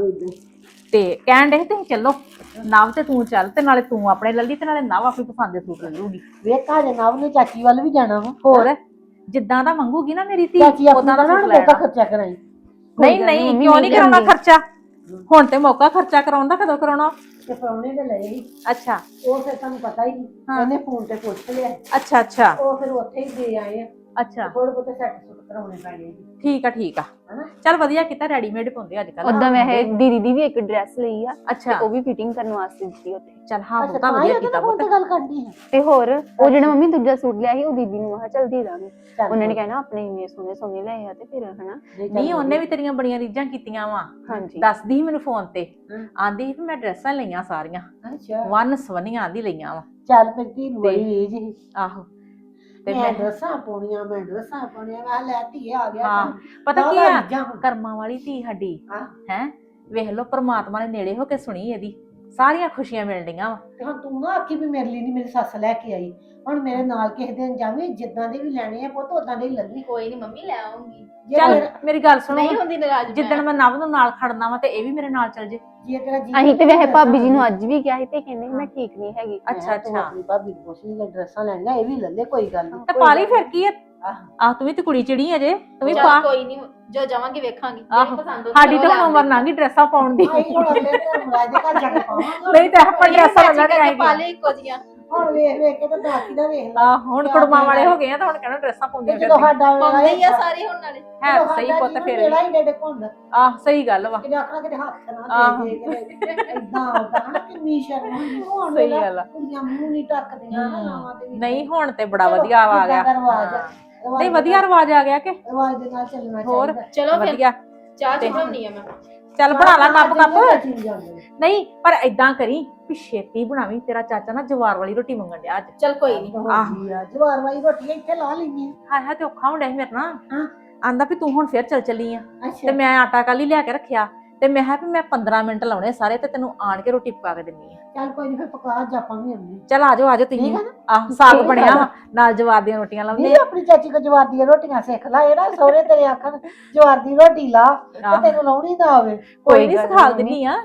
A: ਤੇ ਕਹਿਣ ਡੇ ਤੁਸੀਂ ਚੱਲੋ ਨਵ ਤੇ ਤੂੰ ਚੱਲ ਤੇ ਨਾਲੇ ਤੂੰ ਆਪਣੇ ਲੱਲੀ ਤੇ ਨਾਲੇ ਨਵ ਆਪਣੀ ਪਸੰਦ ਦੇ ਸੂਟ ਲੈ ਲੂਗੀ।
B: ਵੇਖਾ ਜੇ ਨਵ ਨੇ ਚਾਚੀ ਵੱਲ ਵੀ ਜਾਣਾ ਵਾ,
A: ਹੋਰ ਜਿੱਦਾਂ ਦਾ ਮੰਗੂਗੀ ਨਾ ਮੇਰੀ ਧੀ
B: ਚਾਚੀ
A: ਉਦਾਂ
B: ਆਪਣਾ
A: ਦਾ
B: ਨਾ
A: ਸੂਟ
B: ਬਹੁਤਾ
A: ਲੈਣਾ।
B: ਖਰਚਾ ਕਰਾਈ।
A: ਨਹੀਂ ਨਹੀਂ ਕਿਉਂ ਨਹੀਂ ਕਰਾਉਣਾ ਖਰਚਾ, ਹੁਣ ਤੇ ਮੌਕਾ ਖਰਚਾ ਕਰਾਉਣ ਦਾ, ਕਦੋਂ ਕਰਾਉਣਾ?
B: ਤੇ ਪ੍ਰਾਹੁਣੇ ਦੇ ਲਏ ਸੀ,
A: ਅੱਛਾ
B: ਉਹ ਫਿਰ ਤੁਹਾਨੂੰ ਪਤਾ ਹੀ ਨਹੀਂ, ਉਹਨੇ ਫੋਨ ਤੇ ਪੁੱਛ ਲਿਆ,
A: ਅੱਛਾ ਅੱਛਾ
B: ਉਹ ਫਿਰ ਉੱਥੇ ਹੀ ਦੇ ਆਏ ਆ।
A: ਅੱਛਾ
B: ਥੋੜੇ ਬਹੁਤੇ ਸੈੱਟ ਸੁੱਟ ਕਰਾਉਣੇ ਪੈਣੇ ਸੀ,
A: ਠੀਕ ਆ
B: ਹਨਾ?
A: ਚੱਲ ਵਧੀਆ ਕੀਤਾ, ਰੈਡੀਮੇਡ ਪਾਉਂਦੇ ਅੱਜ ਕੱਲ।
C: ਉਦਾਂ ਵੈਸੇ ਦੀਦੀ ਦੀ ਵੀ ਇੱਕ ਡਰੈਸ ਲਈ ਆ ਤੇ
A: ਅੱਛਾ
C: ਉਹ ਵੀ ਫਿਟਿੰਗ ਕਰਨ ਵਾਸਤੇ ਦਿੱਤੀ ਉੱਥੇ।
A: ਚੱਲ ਹਾਂ
B: ਅੱਛਾ
A: ਬਹੁਤਾ
B: ਤਾਂ
A: ਵਧੀਆ
B: ਹੀ
A: ਕੀਤਾ
B: ਉਹਦੇ ਨਾਲ
A: ਪੁੱਤ।
B: ਗੱਲ ਕਰਨੀ ਹੈ।
C: ਤੇ ਹੋਰ ਉਹ ਜਿਹੜਾ ਮੰਮੀ ਦੂਜਾ ਸੂਟ ਲਿਆ ਸੀ ਉਹ ਦੀਦੀ ਨੂੰ ਮੈਂ ਕਿਹਾ ਚੱਲ ਦੇ ਦਾਂਗੇ।
B: ਚੱਲ
C: ਉਹਨਾਂ ਨੇ ਕਹਿਣਾ ਆਪਣੇ ਇੰਨੇ ਸੋਹਣੇ ਸੋਹਣੇ ਲਏ ਆ ਤੇ ਫਿਰ ਹਨਾ।
A: ਨਹੀਂ ਉਹਨੇ ਵੀ ਤੇਰੀਆਂ ਬੜੀਆਂ ਰੀਝਾਂ ਕੀਤੀਆਂ ਵਾ,
C: ਹਾਂਜੀ
A: ਦੱਸਦੀ ਸੀ ਮੈਨੂੰ ਫੋਨ ਤੇ,
B: ਹਮ।
A: ਆਂਦੀ ਸੀ ਵੀ ਮੈਂ ਡਰੈਸਾਂ ਲਈਆਂ ਸਾਰੀਆਂ
B: ਅੱਛਾ
A: ਵਨ ਸਵਨੀਆਂ ਆਂਦੀ ਲਈਆਂ ਵਾ।
B: ਚੱਲ ਫਿਰ ਧੀ ਨੂੰ ਬੜੀ ਰੀਝ ਸੀ,
A: ਆਹੋ ਤੇ
B: ਮੈਂ
A: ਮੈਂ
B: ਡਰੈਸਾਂ ਪਾਉਣੀਆਂ, ਮੈਂ ਡਰੈਸਾਂ ਪਾਉਣੀਆਂ, ਮੈਂ ਲੈ ਧੀਏ ਆ ਗਿਆ
A: ਹਾਂ
B: ਕੰਮ।
A: ਪਤਾ ਕੀ
B: ਦਾਦਾ
A: ਆ
B: ਰੀਝਾਂ ਹੁਣ।
A: ਕਰਮਾਂ ਵਾਲੀ ਧੀ ਸਾਡੀ
B: ਹਾਂ।
A: ਹੈ, ਵੇਖ ਲਓ ਪ੍ਰਮਾਤਮਾ ਨੇ ਨੇੜੇ ਹੋ ਕੇ ਸੁਣੀ ਇਹਦੀ, ਸਾਰੀਆਂ ਖੁਸ਼ੀਆਂ ਮਿਲਦੀਆਂ ਵਾ।
B: ਤੇ ਹੁਣ ਤੂੰ ਨਾ ਆਖੀ ਵੀ ਮੇਰੇ ਲਈ ਨਹੀਂ ਮੇਰੀ ਸੱਸ ਲੈ ਕੇ ਆਈ, ਹੁਣ ਮੇਰੇ ਨਾਲ ਕਿਸੇ ਦਿਨ ਜਾਵੇਂ, ਜਿੱਦਾਂ ਦੇ ਵੀ ਲੈਣੇ ਆ ਪੁੱਤ ਉਦਾਂ ਦੇ ਹੀ ਲੱਲੀ।
D: ਕੋਈ ਨਹੀਂ ਮੰਮੀ ਲੈ ਆਉਂਗੀ,
B: ਜੇ
A: ਚੱਲ
B: ਤੇਰਾ-
A: ਮੇਰੀ ਗੱਲ ਸੁਣੋ,
D: ਨਹੀਂ ਹੁੰਦੀ ਨਾਰਾਜ਼
A: ਜਿੱਦਣ ਮੈਂ ਨਵ ਨੂੰ ਨਾਲ ਖੜਨਾ ਵਾ ਤੇ ਇਹ ਵੀ ਮੇਰੇ ਨਾਲ ਚੱਲ ਜੇ।
B: ਜੇ ਤੇਰਾ ਜੀ
C: ਅਸੀਂ ਤੇ ਵੈਸੇ ਭਾਬੀ ਜੀ ਨੂੰ ਅੱਜ ਵੀ ਕਿਹਾ ਸੀ ਤੇ ਕਹਿੰਦੇ ਮੈਂ ਠੀਕ ਨਹੀਂ ਹੈਗੀ।
A: ਅੱਛਾ
B: ਤੂੰ
A: ਅੱਛਾ
B: ਆਪਣੀ ਭਾਬੀ ਨੂੰ ਪੁੱਛ ਲਈ ਡਰੈਸਾਂ ਲੈਣੀਆਂ, ਇਹ ਵੀ ਲੱਲੇ ਕੋਈ ਗੱਲ ਨਹੀਂ।
A: ਤੇ ਪਾ ਲਈ ਫਿਰ ਕੀ ਆ,
B: ਆਹ।
A: ਆਹ ਤੂੰ ਵੀ ਤੇ ਕੁੜੀ ਚਿੜੀ ਅਜੇ, ਤੂੰ ਵੀ
D: ਚੱਲ
A: ਪਾ।
D: ਕੋਈ ਨਹੀਂ, ਜੋ ਜਾਵਾਂਗੇ ਵੇਖਾਂਗੀ
A: ਆਹੋ।
D: ਜਿਹੜੀ ਪਸੰਦ ਹੋਊਗੀ
A: ਸਾਡੀ
D: ਉਹ
A: ਤਾਂ
D: ਲੈ
A: ਹੁਣ ਉਮਰ
D: ਆਉਂਦੇ।
A: ਲੰਘ ਗਈ ਡਰੈਸਾਂ ਪਾਉਣ ਦੀ,
B: ਆਈ ਹੁਣ ਅਗਲੇ ਧਰਮ ਰਾਜ ਦੇ ਘਰ ਜਾ ਕੇ ਪਾਵਾਂਗੇ।
A: ਨਹੀਂ ਤਾਂ ਆਪਾਂ ਡਰੈਸਾਂ
D: ਮੈਚਿੰਗ
A: ਲੈਣ
D: ਕਰਕੇ ਪਾ
A: ਆਏਗੀ।
D: ਲਿਆ ਇੱਕੋ ਜੀਆਂ।
B: ਹੁਣ ਵੇਖ ਵੇਖ ਕੇ ਤਾਂ ਬਾਕੀ ਦਾ ਵੇਖ ਲਾ।
A: ਹੁਣ ਕੁੜਮਾਂ ਵਾਲੇ ਹੋ ਗਏ ਆ ਤਾਂ ਹੁਣ ਕਹਿੰਦਾ ਡਰੈਸਾਂ ਪਾਉਂਦੀਆਂ
B: ਜਦੋਂ
A: ਫਿਰਦੀਆਂ।
B: ਸਾਡਾ ਵੇਲਾ
D: ਪਾਉਂਦੇ ਹੀ ਆ ਸਾਰੇ ਹੁਣ ਨਾਲੇ।
A: ਹੈ ਤਾਂ ਸਹੀ ਪੁੱਤ ਫਿਰ
B: ਵੇਲਾ ਹੀ ਡੇਡੇ ਘੁੰਡ,
A: ਆਹ ਸਹੀ ਗੱਲ ਵਾ,
B: ਕਿਤੇ ਆਖਣਾ ਕਿਤੇ ਹੱਥ ਨਾ
A: ਆਹੋ।
B: ਦੇ ਦੇ ਇਦਾਂ ਆਉਂਦਾ ਹਨਾ, ਕਿੰਨੀ ਸ਼ਰਮ ਹੁੰਦੀ ਹੁਣ।
A: ਸਹੀ
B: ਵੇਲਾ
A: ਗੱਲ ਆ।
B: ਕੁੜੀਆਂ ਮੂੰਹ ਨਹੀਂ ਟੱਕਦੀਆਂ ਨਾ ਨਾਵਾਂ ਤੇ ਵੀ।
A: ਨਹੀਂ ਹੁਣ ਤੇ ਬੜਾ
B: ਚਲੋ,
A: ਵਧੀਆ ਆ ਗਿਆ।
B: ਜਿੱਦਾਂ ਦਾ ਰਿਵਾਜ ਆ,
A: ਹਾਂ।
B: ਰਿਵਾਜ
A: ਨਹੀਂ
B: ਦੇ
A: ਵਧੀਆ ਰਿਵਾਜ ਆ ਗਿਆ ਕਿ
B: ਰਿਵਾਜ ਦੇ ਨਾਲ ਚੱਲਣਾ
A: ਹੋਰ
B: ਚਾਹੀਦਾ।
D: ਚਲੋ ਫਿਰ
A: ਵਧੀਆ।
D: ਚਾਹ ਚੜਾਉਣੀ ਆ ਮੈਂ।
A: ਚੱਲ ਬਣਾ ਲਾ ਕੱਪ ਕੱਪ।
B: ਚੀਜ਼ ਜਾਂਦੇ ਨੇ।
A: ਨਹੀਂ ਪਰ ਏਦਾਂ ਕਰੀ ਵੀ ਛੇਤੀ ਬਣਾਵੀਂ, ਤੇਰਾ ਚਾਚਾ ਨਾ ਜਵਾਰ ਵਾਲੀ ਰੋਟੀ ਮੰਗਣ ਡਿਆ ਅੱਜ।
D: ਚੱਲ ਕੋਈ ਨਹੀਂ,
B: ਹੁੰਦੀ ਆ, ਜਵਾਰ ਵਾਲੀ ਰੋਟੀ ਇੱਥੇ ਲਾ ਲੈਣੀ
A: ਹਾਏ ਹਾਏ ਤੇ ਔਖਾ ਹੁੰਦਾ ਸੀ ਮੇਰੇ ਨਾਲ।
B: ਹਾਂ।
A: ਆਂਦਾ ਵੀ ਤੂੰ ਹੁਣ ਫੇਰ ਚੱਲ ਚੱਲੀ ਆ
B: ਆ।
A: ਤੇ ਮੈਂ ਆਟਾ ਕੱਲ ਹੀ ਲਿਆ ਕੇ ਰੱਖਿਆ ਤੇ ਮੈਂ ਕਿਹਾ ਵੀ ਮੈਂ 15 ਮਿੰਟ ਲਾਉਣੇ ਸਾਰੇ ਤੇ ਤੈਨੂੰ ਆਣ ਕੇ ਰੋਟੀ ਪਕਾ ਕੇ ਦਿੰਨੀ ਆ।
B: ਚੱਲ ਕੋਈ ਨਹੀਂ ਫਿਰ ਪਕਾ ਜਾਪਾਂ ਵੀ ਆਉਂਦੀ।
A: ਚੱਲ ਆਜੋ ਆਜੋ ਤੁਸੀਂ।
B: ਠੀਕ ਆ ਨਾ?
A: ਆਹ ਸਾਗ
B: ਠੀਕ
A: ਬਣਿਆ
B: ਆ।
A: ਵਾ, ਨਾਲ ਜਵਾਰ ਦੀਆਂ ਰੋਟੀਆਂ ਲਾਉਂਦੇ
B: ਨਹੀਂ ਆਪਣੀ ਚਾਚੀ ਕੋ ਜਵਾਰ ਦੀਆਂ ਰੋਟੀਆਂ ਸਿੱਖ ਲੈ, ਇਹ ਨਾ ਸਹੁਰੇ ਤੇਰੇ ਆਖਣ ਜਵਾਰ ਦੀ ਰੋਟੀ ਲਾ ਤੇ ਤੈਨੂੰ ਲਾਉਣੀ ਨਾ ਆਵੇ।
A: ਕੋਈ ਨਹੀਂ ਸਿਖਾ ਦਿੰਨੀ ਆ।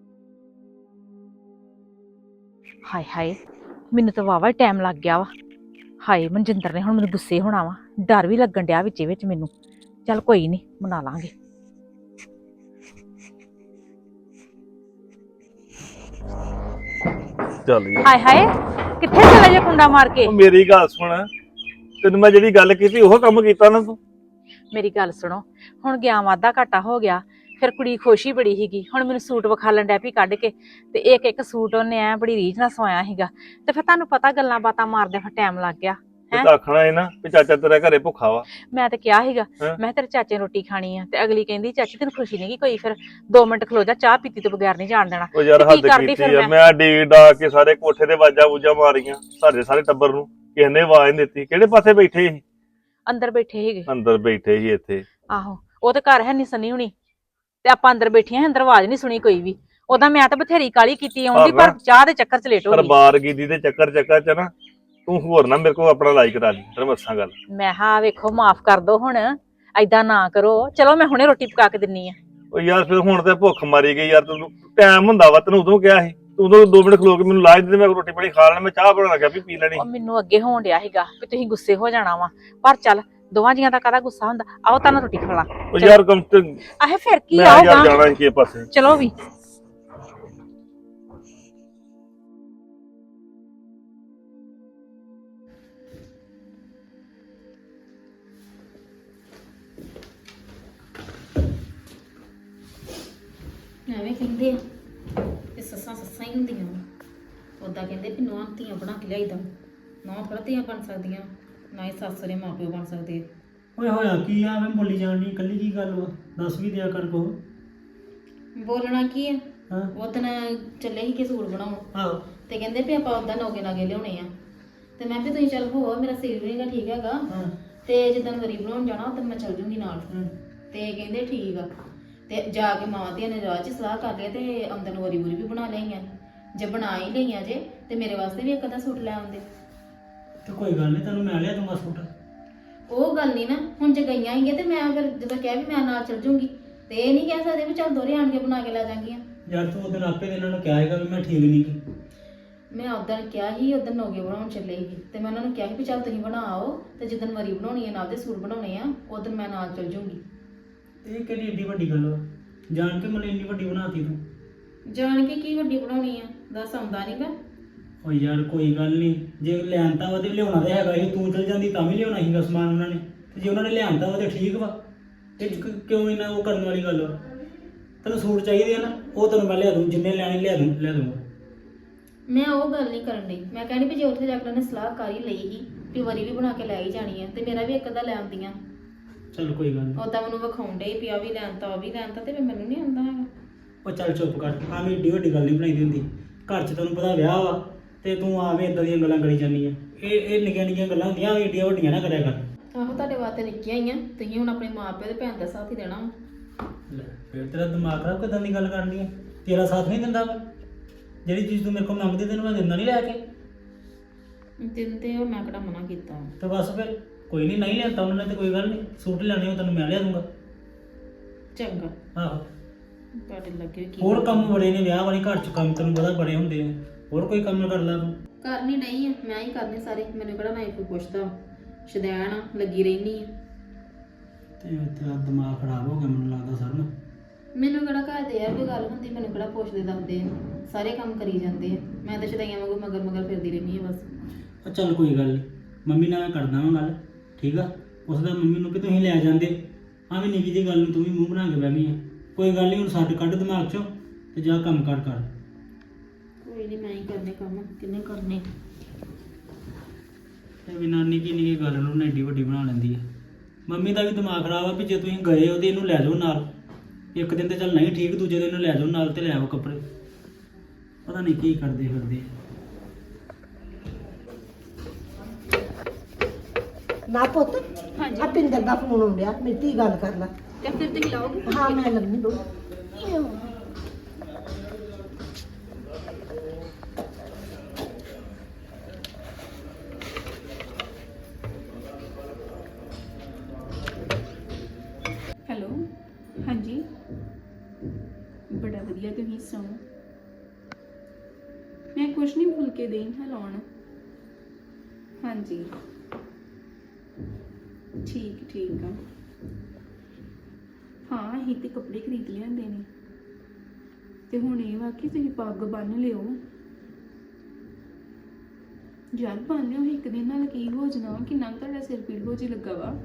A: ਹਾਏ ਹਾਏ ਮੈਨੂੰ ਤਾਂ ਵਾਵਾ ਟਾਈਮ ਲੱਗ ਗਿਆ ਵਾ। ਹਾਏ ਮਨਜਿੰਦਰ ਨੇ ਹੁਣ ਮੈਨੂੰ ਗੁੱਸੇ ਹੋਣਾ ਵਾ, ਡਰ ਵੀ ਲੱਗਣ ਡਿਆ ਵਿੱਚੇ ਵਿੱਚ ਮੈਨੂੰ। ਚੱਲ ਕੋਈ ਨਹੀਂ ਬਣਾ ਲਾਂਗੇ।
E: ਚੱਲ ਯਾਰ
A: ਹਾਏ ਹਾਏ ਕਿੱਥੇ ਚਲੇ ਜੇ ਕੁੰਡਾ ਮਾਰ ਕੇ?
E: ਉਹ ਮੇਰੀ ਗੱਲ ਸੁਣ, ਤੈਨੂੰ ਮੈਂ ਜਿਹੜੀ ਗੱਲ ਕੀਤੀ ਉਹ ਕੰਮ ਕੀਤਾ ਨਾ ਤੂੰ।
A: ਮੇਰੀ ਗੱਲ ਸੁਣੋ, ਹੁਣ ਗਿਆ ਵਾਧਾ ਘਾਟਾ ਹੋ ਗਿਆ, ਫਿਰ ਕੁੜੀ ਖੁਸ਼ੀ ਬੜੀ ਸੀਗੀ। ਹੁਣ ਮੈਨੂੰ ਸੂਟ ਵਿਖਾਲਣ ਡੈ ਪਈ ਕੱਢ ਕੇ ਤੇ ਇੱਕ ਇੱਕ ਸੂਟ ਉਹਨੇ ਐ ਬੜੀ ਰੀਝ ਨਾਲ ਸਵਾਇਆ ਸੀਗਾ ਤੇ ਫਿਰ ਤੁਹਾਨੂੰ ਪਤਾ ਗੱਲਾਂ ਬਾਤਾਂ ਮਾਰਦੇ ਫਿਰ ਟਾਈਮ ਲੱਗ ਗਿਆ।
E: ਤੇ ਤਾਂ ਆਖਣਾ ਹੈ ਨਾ ਵੀ ਚਾਚਾ ਤੇਰਾ ਘਰੇ ਭੁੱਖਾ ਵਾ।
A: ਮੈਂ ਤੇ ਕਿਹਾ ਸੀਗਾ,
E: ਹੈਂ?
A: ਮੈਂ ਕਿਹਾ ਤੇਰੇ ਚਾਚੇ ਨੇ ਰੋਟੀ ਖਾਣੀ ਆ ਤੇ ਅਗਲੀ ਕਹਿੰਦੀ ਚਾਚੀ ਤੈਨੂੰ ਖੁਸ਼ੀ ਨਹੀਂ ਗੀ ਕੋਈ, ਫਿਰ 2 ਮਿੰਟ ਖਲੋ ਜਾ, ਚਾਹ ਪੀਤੀ ਤੋਂ ਬਗੈਰ ਨਹੀਂ ਜਾਣ ਦੇਣਾ।
E: ਉਹ ਯਾਰ
A: ਤੇ ਕੀ
E: ਹੱਦ
A: ਕਰਦੀ
E: ਕੀਤੀ
A: ਫਿਰ
E: ਆ,
A: ਮੈਂ?
E: ਮੈਂ ਡੀਕ ਡਾ ਕੇ ਸਾਰੇ ਕੋਠੇ ਤੇ ਵਾਜਾ ਵੂਜਾ ਮਾਰੀਆਂ ਸਾਰੇ ਟੱਬਰ ਨੂੰ, ਕਿਸੇ ਨੇ ਆਵਾਜ਼ ਨਹੀਂ ਦਿੱਤੀ। ਕਿਹੜੇ ਪਾਸੇ ਬੈਠੇ ਸੀ?
A: ਅੰਦਰ ਬੈਠੇ ਸੀਗੇ।
E: ਅੰਦਰ ਬੈਠੇ ਸੀ ਇੱਥੇ।
A: ਆਹੋ ਉਹ ਤੇ ਘਰ ਹੈ ਨਹੀਂ ਸੰਨੀ ਹੁਣੀ ਤੇ ਆਪਾਂ ਅੰਦਰ ਬੈਠੀਆਂ ਸੀ, ਅੰਦਰ ਆਵਾਜ਼ ਨਹੀਂ ਸੁਣੀ ਕੋਈ ਵੀ। ਉਹਦਾ ਮੈਂ ਤਾਂ ਬਥੇਰੀ ਕਾਲੀ ਕੀਤੀ ਆਉਂਦੀ ਪਰ ਚਾਹ ਦੇ ਚੱਕਰ ਚ ਲੇਟ ਹੋ ਗਈ।
E: ਦਰਬਾਰ ਗੀਦੀ ਦੇ ਚੱਕਰ ਚ ਨਾ ਤੂੰ ਹੋਰ ਨਾ ਮੇਰੇ ਕੋਲ ਆਪਣਾ ਲਾਈਕ ਕਰਾ ਲਈ, ਤੈਨੂੰ ਮੱਸਾਂ ਗੱਲ।
A: ਮੈਂ ਹਾਂ ਵੇਖੋ ਮਾਫ ਕਰ ਦੋ ਹੁਣ, ਐਦਾਂ ਨਾ ਕਰੋ। ਚਲੋ ਮੈਂ ਹੁਣੇ ਰੋਟੀ ਪਕਾ ਕੇ ਦਿੰਨੀ ਆ।
E: ਉਹ ਯਾਰ ਫਿਰ ਹੁਣ ਤੇ ਭੁੱਖ ਮਾਰੀ ਗਈ ਯਾਰ, ਤੈਨੂੰ ਟਾਈਮ ਹੁੰਦਾ ਵਾ, ਤੈਨੂੰ ਉਦੋਂ ਕਿਹਾ ਸੀ ਤੂੰ ਉਦੋਂ 2 ਮਿੰਟ ਖਲੋ ਕੇ ਮੈਨੂੰ ਲਾਜ ਦੇ, ਮੈਂ ਰੋਟੀ ਪਾਣੀ ਖਾ ਲੈਣਾ, ਮੈਂ ਚਾਹ ਬਣਾ ਲੱਗਾ ਵੀ ਪੀ ਲੈਣੀ।
A: ਉਹ ਮੈਨੂੰ ਅੱਗੇ ਹੋਣ ਡਿਆ ਸੀਗਾ ਕਿ ਤੁਸੀਂ ਗੁੱਸੇ ਹੋ ਜਾਣਾ ਵਾ, ਪਰ ਚੱਲ ਦੋਵਾਂ ਜੀਆਂ ਦਾ ਕਾਹਦਾ ਗੁੱਸਾ ਹੁੰਦਾ। ਆਓ ਤਾਂ ਰੋਟੀ ਖਾ ਲਾ।
E: ਉਹ ਯਾਰ ਕੰਮ ਤੇ
A: ਆਹੇ ਫਿਰ ਕੀ
E: ਮੈਂ ਯਾਰ
A: ਆਊਗਾ,
E: ਜਾਣਾ ਸੀ ਕਿਸੇ ਪਾਸੇ।
A: ਚਲੋ ਵੀ।
D: ਐਵੇਂ ਕਹਿੰਦੇ ਆ ਕਿ ਸੱਸਾਂ ਸੱਸਾਂ ਹੀ ਹੁੰਦੀਆਂ ਉਦਾਂ ਕਹਿੰਦੇ ਵੀ ਨੂੰਹਾਂ ਧੀਆਂ ਬਣਾ ਕੇ ਲਿਆਈਦਾ। ਨੂੰਹਾਂ ਥੋੜ੍ਹਾ ਧੀਆਂ ਬਣ ਸਕਦੀਆਂ, ਨਾ ਹੀ ਸੱਸ ਸਹੁਰੇ ਮਾਂ ਪਿਓ ਬਣ ਸਕਦੇ ਆ।
F: ਓਏ ਹੋਇਆ ਕੀ ਆ ਮੈਂ ਬੋਲੀ ਜਾਣ ਦੀ ਇਕੱਲੀ ਕੀ ਗੱਲ ਵਾ ਦੱਸ ਵੀ ਦਿਆ ਕਰ ਕੋ
D: ਬੋਲਣਾ ਕੀ ਆ
F: ਹਾਂ
D: ਉਹ ਦਿਨ ਚੱਲੇ ਸੀ ਕਿ ਸੂਟ ਬਣਾਉਣ
F: ਆਹੋ
D: ਤੇ ਕਹਿੰਦੇ ਵੀ ਆਪਾਂ ਉਦਾਂ ਨੋਗੇ ਨਾਗੇ ਲਿਆਉਣੇ ਆ ਤੇ ਮੈਂ ਵੀ ਤੁਸੀਂ ਚੱਲ ਹੋਵੋ ਮੇਰਾ ਸਿਰ ਵੀ ਨਹੀਂਗਾ ਠੀਕ ਹੈਗਾ
F: ਹਾਂ
D: ਤੇ ਜਿੱਦਣ ਵਰੀ ਬਣਾਉਣ ਜਾਣਾ ਉਦੋਂ ਮੈਂ ਚੱਲ ਜੂੰਗੀ ਨਾਲ
F: ਹਾਂ।
D: ਤੇ ਕਹਿੰਦੇ ਠੀਕ ਆ ਤੇ ਜਾ ਕੇ ਮਾਵਾਂ ਧੀਆਂ ਨੇ ਰਾਹ 'ਚ ਸਲਾਹ ਕਰ ਲਿਆ ਤੇ ਆਮਦਨ ਵਰੀ ਬੁਰੀ ਵੀ ਬਣਾ ਲਈਆਂ ਜੇ ਬਣਾ ਹੀ ਲਈਆਂ ਜੇ ਤੇ ਮੇਰੇ ਵਾਸਤੇ ਵੀ ਇੱਕ ਅੱਧਾ ਸੂਟ ਲੈ ਆਉਂਦੇ
F: ਤੇ ਕੋਈ ਗੱਲ ਨਹੀਂ ਤੈਨੂੰ ਮੈਂ ਲਿਆ ਦੂੰਗਾ ਸੂਟ
D: ਉਹ ਗੱਲ ਨਹੀਂ ਨਾ ਹੁਣ ਜੇ ਗਈਆਂ ਹੀਗੇ ਤੇ ਮੈਂ ਫਿਰ ਜਦੋਂ ਕਿਹਾ ਵੀ ਮੈਂ ਨਾਲ ਚੱਲ ਜੂੰਗੀ ਤੇ ਇਹ ਨਹੀਂ ਕਹਿ ਸਕਦੇ ਵੀ ਚੱਲ ਦੋਰੇ ਆਣ ਕੇ ਬਣਾ ਕੇ ਲੈ ਜਾਵਾਂਗੀਆਂ
F: ਯਾਰ ਤੂੰ ਉਹਦੇ ਆਪੇ ਇਹਨਾਂ ਨੂੰ ਕਿਹਾ ਹੈਗਾ ਵੀ ਮੈਂ ਠੀਕ ਨਹੀਂ ਗੀ
D: ਮੈਂ ਉਦੋਂ ਕਿਹਾ ਸੀ ਉਦੋਂ ਨੋਗੇ ਬਣਾਉਣ ਚੱਲੇ ਸੀ ਤੇ ਮੈਂ ਉਹਨਾਂ ਨੂੰ ਕਿਹਾ ਸੀ ਵੀ ਚੱਲ ਤੁਸੀਂ ਬਣਾਓ ਤੇ ਜਿੱਦਣ ਵਰੀ ਬਣਾਉਣੀ ਹੈ ਨਾਲ ਦੇ ਸੂਟ ਬਣਾਉਣੇ ਆ ਉਦੋਂ ਮੈਂ ਨਾਲ ਚੱਲ ਜੂੰਗੀ
F: ਇਹ ਕਿਹੜੀ ਏਡੀ ਵੱਡੀ ਗੱਲ ਵਾ ਜਾਣ ਕੇ ਮੈਨੂੰ ਇੰਨੀ ਵੱਡੀ ਬਣਾਤੀ ਤੂੰ
D: ਜਾਣ ਕੇ ਕੀ ਵੱਡੀ ਬਣਾਉਣੀ ਆ ਦੱਸ ਆਉਂਦਾ ਨਹੀਂਗਾ
F: ਓ ਯਾਰ ਕੋਈ ਗੱਲ ਨਹੀਂ ਜੇ ਲਿਆਂਤਾ ਵਾ ਤੇ ਲਿਆਉਣਾ ਤੇ ਹੈਗਾ ਸੀ ਤੂੰ ਚਲ ਜਾਂਦੀ ਤਾਂ ਵੀ ਲਿਆਉਣਾ ਸੀਗਾ ਸਮਾਨ ਉਹਨਾਂ ਨੇ ਤੇ ਜੇ ਉਹਨਾਂ ਨੇ ਲਿਆਂਦਾ ਵਾ ਤੇ ਠੀਕ ਵਾ ਇਹ 'ਚ ਕਿਉਂ ਇਹਨਾਂ ਉਹ ਕਰਨ ਵਾਲੀ ਗੱਲ ਵਾ ਤੈਨੂੰ ਸੂਟ ਚਾਹੀਦੇ ਆ ਨਾ ਉਹ ਤੈਨੂੰ ਮੈਂ ਲਿਆ ਦੂੰ ਜਿੰਨੇ ਲੈਣੇ ਲਿਆ ਦੂੰਗਾ
D: ਮੈਂ ਉਹ ਗੱਲ ਨਹੀਂ ਕਰਨ ਡਈ ਮੈਂ ਕਹਿੰਦੀ ਵੀ ਜੇ ਉੱਥੇ ਜਾ ਕੇ ਉਹਨੇ ਸਲਾਹ ਕਰ ਹੀ ਲਈ ਸੀ ਵੀ ਵਰੀ ਵੀ ਬਣਾ ਕੇ ਲੈ ਹੀ ਜਾਣੀ ਆ ਤੇ ਮੇਰਾ ਵੀ ਇੱਕ ਅੱਧਾ ਲੈ ਆਉਂਦੀਆਂ
F: ਚੱਲ ਕੋਈ ਗੱਲ ਨਹੀਂ
D: ਉਦਾਂ ਮੈਨੂੰ ਵਿਖਾਉਣ ਡਈ ਵੀ ਆ ਵੀ ਲੈਣਤਾ ਉਹ ਵੀ ਲੈਣਤਾ ਤੇ ਫਿਰ ਮੈਨੂੰ ਨਹੀਂ ਆਉਂਦਾ ਹੈਗਾ
F: ਉਹ ਚੱਲ ਚੁੱਪ ਕਰ ਆਵੇਂ ਏਡੀ ਵੱਡੀ ਗੱਲ ਨਹੀਂ ਬਣਾਈ ਹੁੰਦੀ ਘਰ 'ਚ ਤੈਨੂੰ ਪਤਾ ਵਿਆਹ ਵਾ ਤੇ ਤੂੰ ਆਵੇਂ ਇਦਾਂ ਦੀਆਂ ਗੱਲਾਂ ਕਰੀ ਜਾਂਦੀ ਆ ਇਹ ਨਿੱਕੀਆਂ ਨਿੱਕੀਆਂ ਗੱਲਾਂ ਹੁੰਦੀਆਂ ਏਡੀਆਂ ਵੱਡੀਆਂ ਨਾ ਕਰਿਆ ਕਰ
D: ਆਹੋ ਤੁਹਾਡੇ ਵਾਸਤੇ ਨਿੱਕੀਆਂ ਹੀ ਆ ਤੁਸੀਂ ਹੁਣ ਆਪਣੇ ਮਾਪਿਓ ਤੇ ਭੈਣ ਦਾ ਸਾਥ ਹੀ ਦੇਣਾ ਵਾ।
F: ਲੈ ਫਿਰ ਤੇਰਾ ਦਿਮਾਗ ਖਰਾਬ ਕਿਦਾਂ ਦੀ ਗੱਲ ਕਰਨੀ ਆ ਤੇਰਾ ਸਾਥ ਨਹੀਂ ਦਿੰਦਾ ਵਾ ਜਿਹੜੀ ਚੀਜ਼ ਤੂੰ ਮੇਰੇ ਕੋਲ ਮੰਗਦੀ ਤੈਨੂੰ ਮੈਂ ਦਿੰਦਾ ਨਹੀਂ ਲੈ ਕੇ
D: ਦਿਨ ਤੇ ਉਹ ਮੈਂ ਕਿਹੜਾ ਮਨਾ ਕੀਤਾ
F: ਤੇ ਬਸ ਫਿਰ ਕੋਈ ਨਹੀਂ ਲਿਆਤਾ ਉਹਨਾਂ ਨੇ ਤੇ ਕੋਈ ਗੱਲ ਨਹੀਂ ਸੂਟ ਲੈਣੇ ਹੋ ਤੈਨੂੰ ਮੈਂ ਲਿਆ ਦੂੰਗਾ
D: ਚੰਗਾ
F: ਆਹੋ
D: ਤੁਹਾਡੇ ਲੱਗੇ ਕੀ
F: ਹੋਰ ਕੰਮ ਬੜੇ ਨੇ ਵਿਆਹ ਵਾਲੀ ਘਰ 'ਚ ਕੰਮ ਤੈਨੂੰ ਪਤਾ ਬੜੇ ਹੁੰਦੇ ਆ ਹੋਰ ਕੋਈ ਕੰਮ ਕਰ ਲੈ ਤੂੰ
D: ਕਰਨੀ ਨਹੀਂ ਆ ਮੈਂ ਹੀ ਕਰਨੇ ਸਾਰੇ ਮੈਨੂੰ ਕਿਹੜਾ ਨਾ ਕੋਈ ਪੁੱਛਦਾ ਸ਼ਦੈਣ ਆ ਲੱਗੀ ਰਹਿਨੀ ਆ
F: ਤੇ ਤੇਰਾ ਦਿਮਾਗ ਖਰਾਬ ਹੋ ਗਿਆ ਮੈਨੂੰ ਲੱਗਦਾ ਸਰ ਨਾ
D: ਮੈਨੂੰ ਕਿਹੜਾ ਘਰ ਦੇ ਯਾਰ ਕੋਈ ਗੱਲ ਹੁੰਦੀ ਮੈਨੂੰ ਕਿਹੜਾ ਪੁੱਛਦੇ ਦੱਸਦੇ ਆ ਸਾਰੇ ਕੰਮ ਕਰੀ ਜਾਂਦੇ ਆ ਮੈਂ ਤਾਂ ਸ਼ਦੈਈਆਂ ਵਾਂਗੂ ਮਗਰ ਮਗਰ ਫਿਰਦੀ ਰਹਿੰਦੀ ਆ ਬਸ
F: ਉਹ ਚੱਲ ਕੋਈ ਗੱਲ ਨਹੀਂ ਮੰਮੀ ਨਾਲ ਮੈਂ ਕਰਦਾ ਵਾਂ ਗੱਲ ਠੀਕ ਆ ਉਸਦਾ ਮੰਮੀ ਨੂੰ ਕਿ ਤੁਸੀਂ ਲੈ ਜਾਂਦੇ ਆਵੇਂ ਨਿੱਕੀ ਜਿਹੀ ਗੱਲ ਨੂੰ ਤੂੰ ਵੀ ਮੂੰਹ ਬਣਾ ਕੇ ਬਹਿ ਗਈ ਆ ਕੋਈ ਗੱਲ ਨਹੀਂ ਹੁਣ ਛੱਡ ਕੱਢ ਦਿਮਾਗ 'ਚੋਂ ਤੇ ਜਾ ਕੰਮ ਕਰ
D: ਕੋਈ ਨਹੀਂ ਮੈਂ ਹੀ ਕਰਨੇ ਕੰਮ ਕਿੰਨੇ ਕਰਨੇ
F: ਤੇ ਵੀ ਨਾਨੀ ਕੀ ਨਿੱਕੀ ਗੱਲ ਨੂੰ ਨਾ ਏਡੀ ਵੱਡੀ ਬਣਾ ਲੈਂਦੀ ਆ ਮੰਮੀ ਦਾ ਵੀ ਦਿਮਾਗ ਖਰਾਬ ਆ ਵੀ ਜੇ ਤੁਸੀਂ ਗਏ ਹੋ ਤੇ ਇਹਨੂੰ ਲੈ ਜਾਓ ਨਾਲ ਇੱਕ ਦਿਨ ਤੇ ਚੱਲ ਨਹੀਂ ਠੀਕ ਦੂਜੇ ਦਿਨ ਇਹਨੂੰ ਲੈ ਜਾਓ ਨਾਲ ਤੇ ਲੈ ਆਓ ਕੱਪੜੇ ਪਤਾ ਨਹੀਂ ਕੀ ਕਰਦੇ ਫਿਰਦੇ
B: ਨਾ ਪੁੱਤ
C: ਹਾਂਜੀ
B: ਆ ਪਿੰਦਰ ਦਾ ਫੋਨ ਆਉਂਦਿਆ ਮੇਰੀ ਧੀ ਗੱਲ ਕਰ ਲੈ
C: ਤੇ ਫਿਰ ਤੁਸੀਂ ਲਾਓਗੇ
B: ਹਾਂ ਮੈਂ ਲੰਮੀ ਦੋ
C: ਹੈਲੋ ਹਾਂਜੀ ਬੜਾ ਵਧੀਆ ਤੁਸੀਂ ਸੁਣਾਓ ਮੈਂ ਕੁਛ ਨਹੀਂ ਭੁੱਲ ਕੇ ਦੇਈ ਹਾਂ ਲਾਉਣ ਹਾਂਜੀ ਠੀਕ ਆ ਹਾਂ ਅਸੀਂ ਤੇ ਕੱਪੜੇ ਖਰੀਦ ਲਿਆਂਦੇ ਨੇ ਤੇ ਹੁਣ ਇਹ ਵਾ ਕਿ ਤੁਸੀਂ ਪੱਗ ਬੰਨ ਲਿਓ ਯਾਰ ਬੰਨ ਲਿਓ ਇੱਕ ਦਿਨ ਨਾਲ ਕੀ ਹੋ ਜਾਣਾ ਕਿੰਨਾ ਕੁ ਤੁਹਾਡਾ ਸਿਰ ਪੀੜ ਹੋ ਜੀ ਲੱਗਾ ਵਾ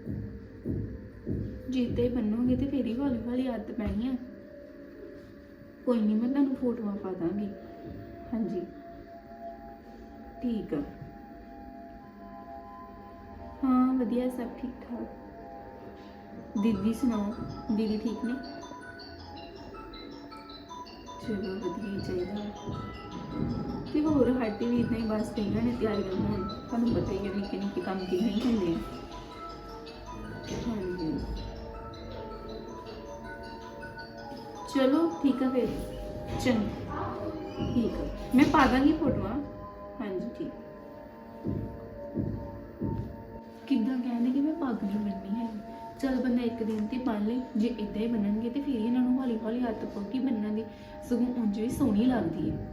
C: ਜਿੱਤੇ ਬੰਨੋਗੇ ਤੇ ਫੇਰ ਹੀ ਹੌਲੀ ਹੌਲੀ ਆਦਤ ਪੈਣੀ ਆ ਕੋਈ ਨਹੀਂ ਮੈਂ ਤੁਹਾਨੂੰ ਫੋਟੋਆਂ ਪਾ ਦਾਂਗੀ ਹਾਂਜੀ ਠੀਕ ਆ ਹਾਂ ਵਧੀਆ ਸਭ ਠੀਕ ਠਾਕ ਦੀਦੀ ਸੁਣਾਓ ਦੀਦੀ ਠੀਕ ਨੇ ਚਲੋ ਵਧੀਆ ਹੀ ਚਾਹੀਦਾ ਤੇ ਹੋਰ ਸਾਡੀ ਵੀ ਇਦਾਂ ਹੀ ਬਸ ਕਈਆਂ ਨੇ ਤਿਆਰੀਆਂ ਹੋਣ ਤੁਹਾਨੂੰ ਪਤਾ ਹੀ ਹੈ ਨਿੱਕੇ ਨਿੱਕੇ ਕੰਮ ਕਿੰਨੇ ਹੀ ਹੁੰਦੇ ਆ ਹਾਂਜੀ ਚਲੋ ਠੀਕ ਆ ਫਿਰ ਚੰਗਾ ਠੀਕ ਆ ਮੈਂ ਪਾ ਦਾਂਗੀ ਫੋਟੋਆਂ ਹਾਂਜੀ ਠੀਕ ਕਿੱਦਾਂ ਕਹਿੰਦੇ ਕਿ ਮੈਂ ਪੱਗ ਨਹੀਂ ਬੰਨਣੀ ਹੈ ਚਲ ਬੰਦਾ ਇੱਕ ਦਿਨ ਤੇ ਬੰਨ ਲੇ ਜੇ ਇਦਾਂ ਹੀ ਬੰਨਣਗੇ ਤੇ ਫਿਰ ਇਹਨਾਂ ਨੂੰ ਹੌਲੀ ਹੌਲੀ ਆਦਤ ਪਊਗੀ ਬੰਨਣ ਦੀ ਸਗੋਂ ਉਂਝ ਵੀ ਸੋਹਣੀ ਲੱਗਦੀ ਹੈ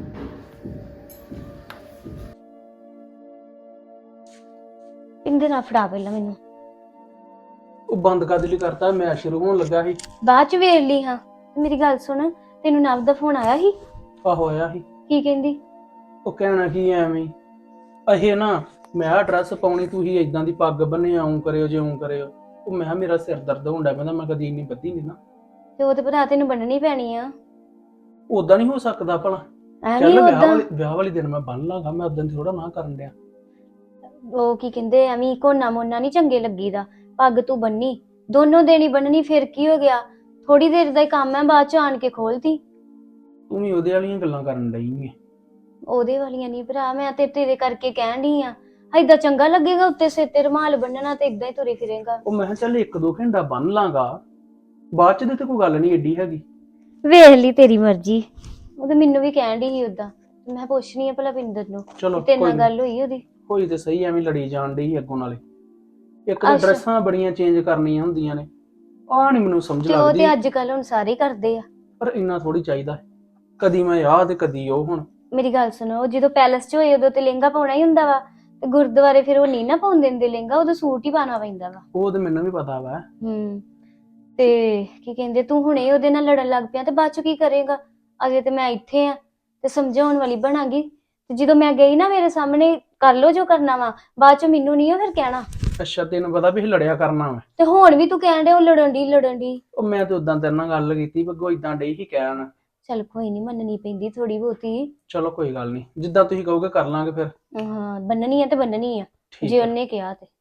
G: ਪਿੰਦੇ ਨਾ ਫੜਾ ਪਹਿਲਾਂ ਮੈਨੂੰ
H: ਉਹ ਬੰਦ ਕਰ ਲਈ ਕਰਤਾ ਮੈਚ ਸ਼ੁਰੂ ਹੋਣ ਲੱਗਾ ਸੀ
G: ਬਾਅਦ ਚ ਵੇਖ ਲਈ ਹਾਂ ਤੇ ਮੇਰੀ ਗੱਲ ਸੁਣ ਤੈਨੂੰ ਨਵ ਦਾ ਫੋਨ ਆਇਆ ਸੀ
H: ਆ ਹੋਇਆ ਸੀ
G: ਕੀ ਕਹਿੰਦੀ
H: ਉਹ ਕਹਿਣਾ ਕੀ ਐਵੇਂ ਹੀ। ਇਹ ਨਾ ਮੈਂ ਆ ਡਰੈਸ ਪਾਉਣੀ ਤੁਸੀਂ ਇਦਾਂ ਦੀ ਪੱਗ ਬੰਨੇ ਆਉਂ ਕਰਿਓ ਜਿਉਂ ਕਰਿਓ ਉਹ ਮੈਂ ਕਿਹਾ ਮੇਰਾ ਸਿਰ ਦਰਦ ਹੁੰਦਾ ਪੈਂਦਾ ਮੈਂ ਕਦੀ ਇੰਨੀ ਬੱਧੀ ਨਹੀਂ ਨਾ
G: ਤੇ ਉਹ ਤੇ ਭਰਾ ਤੈਨੂੰ ਬੰਨਣੀ ਪੈਣੀ ਆ
H: ਉਦਾਂ ਨਹੀਂ ਹੋ ਸਕਦਾ ਭਲਾ
G: ਐਵੇਂ
H: ਚੱਲ
G: ਉਦਾਂ
H: ਵਿਆਹ ਵਾਲੀ ਦਿਨ ਮੈਂ ਬੰਨ ਲਾਂਗਾ ਮੈਂ ਉਦੋਂ ਥੋੜਾ ਨਾ ਕਰਨ ਡਿਆ
G: ਉਹ ਕੀ ਕਹਿੰਦੇ ਐਵੇਂ ਕੋਨਾ ਮੋਨਾ ਨਹੀਂ ਚੰਗੇ ਲੱਗੀਦਾ ਪੱਗ ਤੂੰ ਬੰਨੀ, ਦੋਨੋਂ ਦਿਨ ਹੀ ਬੰਨਣੀ, ਫਿਰ ਕੀ ਹੋ ਗਿਆ? ਥੋੜੀ ਦੇਰ ਦਾ ਹੀ ਕੰਮ ਹੈ, ਬਾਅਦ ਚ ਆਣ ਕੇ ਖੋਲਤੀ।
H: ਤੂੰ ਵੀ ਉਹਦੇ ਵਾਲੀਆਂ ਗੱਲਾਂ ਕਰਨ ਡਈ ਏ।
G: ਉਹਦੇ ਵਾਲੀਆਂ ਨਹੀਂ ਭਰਾ, ਮੈਂ ਤੇ ਤੇਰੇ ਕਰਕੇ ਕਹਿਣ ਡਈ ਆ। ਏਦਾਂ ਚੰਗਾ ਲੱਗੇਗਾ ਉੱਤੇ ਸਿਰ ਤੇ ਰੁਮਾਲ ਬੰਨਣਾ ਤੇ ਇਦਾਂ ਹੀ ਤੁਰੇ ਫਿਰੇਗਾ?
H: ਉਹ ਮੈਂ ਕਿਹਾ ਚੱਲ 1-2 ਘੰਟਾ ਬੰਨ ਲਾਂਗਾ, ਬਾਅਦ ਚ ਤੇ ਕੋਈ ਗੱਲ ਨਹੀਂ ਏਡੀ ਹੈਗੀ।
G: ਵੇਖ ਲਈ ਤੇਰੀ ਮਰਜ਼ੀ। ਉਹ ਤੇ ਮੈਨੂੰ ਵੀ ਕਹਿਣ ਡਈ ਸੀ ਉਦਾਂ, ਮੈਂ ਪੁੱਛਣੀ ਆ ਭਲਾ ਪਿੰਦਰ ਨੂੰ
H: ਚਲੋ
G: ਤੇਰੇ
H: ਕੋਈ
G: ਨਾਲ
H: ਨੀ।
G: ਗੱਲ ਹੋਈ ਉਹਦੀ?
H: ਹੋਈ ਤੇ ਸਹੀ, ਐਵੇਂ ਲੜੀ ਜਾਣ ਡਈ ਅੱਗੋਂ ਨਾਲੇ। ਇੱਕ ਤਾਂ
G: ਅੱਛਾ।
H: ਡਰੈਸਾਂ ਬੜੀਆਂ ਚੇਂਜ ਕਰਨੀਆਂ ਹੁੰਦੀਆਂ ਨੇ, ਆਹ ਨਹੀਂ ਮੈਨੂੰ ਸਮਝ
G: ਤੇ ਉਹ
H: ਲੱਗਦੀ।
G: ਤੇ ਅੱਜ ਕੱਲ ਹੁਣ ਸਾਰੇ ਹੀ ਕਰਦੇ ਆ।
H: ਪਰ ਇੰਨਾ ਥੋੜੀ ਚਾਹੀਦਾ, ਕਦੀ ਮੈਂ ਆਹ ਤੇ ਕਦੀ ਉਹ। ਹੁਣ
G: ਮੇਰੀ ਗੱਲ ਸੁਣੋ, ਜਦੋਂ ਪੈਲਸ 'ਚ ਹੋਏ ਉਦੋਂ ਤੇ ਲਹਿੰਗਾ ਪਾਉਣਾ ਹੀ ਹੁੰਦਾ ਵਾ, ਤੇ ਗੁਰਦੁਆਰੇ ਫਿਰ ਉਹ ਨਹੀਂ ਨਾ ਪਾਉਣ ਦਿੰਦੇ ਲਹਿੰਗਾ, ਉਦੋਂ ਸੂਟ ਹੀ ਪਾਉਣਾ ਪੈਂਦਾ ਵਾ।
H: ਉਹ ਤੇ ਮੈਨੂੰ ਵੀ ਪਤਾ ਵਾ।
G: ਤੇ ਕੀ ਕਹਿੰਦੇ, ਤੂੰ ਹੁਣੇ ਉਹਦੇ ਨਾਲ ਲੜਨ ਲੱਗ ਪਿਆ ਤੇ ਬਾਅਦ 'ਚ ਕੀ ਕਰੇਗਾ? ਅਜੇ ਤੇ ਮੈਂ ਇੱਥੇ ਆ ਤੇ ਸਮਝਾਉਣ ਵਾਲੀ ਬਣਾਂਗੀ, ਤੇ ਜਦੋਂ ਮੈਂ ਗਈ ਨਾ ਮੇਰੇ ਸਾਹਮਣੇ ਕਰ ਲੋ ਜੋ ਕਰਨਾ ਵਾ, ਬਾਅਦ 'ਚ ਮੈਨੂੰ ਨਹੀਂ ਉਹ ਫਿਰ ਕਹਿਣਾ।
H: ਅੱਛਾ, ਤੈਨੂੰ ਪਤਾ ਵੀ ਇਹ ਲੜਿਆ ਕਰਨਾ ਵਾ।
G: ਤੇ ਹੁਣ ਵੀ ਤੂੰ ਕਹਿਣ ਡਿਆ ਉਹ ਲੜਨ ਦੀ।
H: ਉਹ ਮੈਂ ਤੇ ਉਦਾਂ ਤੇਰੇ ਨਾਲ ਗੱਲ ਕੀਤੀ, ਬੱਗੋ ਇਦਾਂ ਡਈ ਹੀ ਕਹਿਣ।
G: ਚੱਲ ਕੋਈ ਨਹੀਂ, ਮੰਨਣੀ ਪੈਂਦੀ ਥੋੜੀ ਬਹੁਤੀ।
H: ਚਲੋ ਕੋਈ ਗੱਲ ਨਹੀਂ, ਜਿੱਦਾਂ ਤੁਸੀਂ ਕਹੋਗੇ ਕਰ ਲਾਂਗੇ ਫਿਰ।
G: ਹਾਂ, ਬੰਨਣੀ ਆ ਤੇ ਬੰਨਣੀ ਆ,
H: ਠੀਕ
G: ਜੇ
H: ਆ।
G: ਉਹਨੇ ਕਿਹਾ ਤੇ।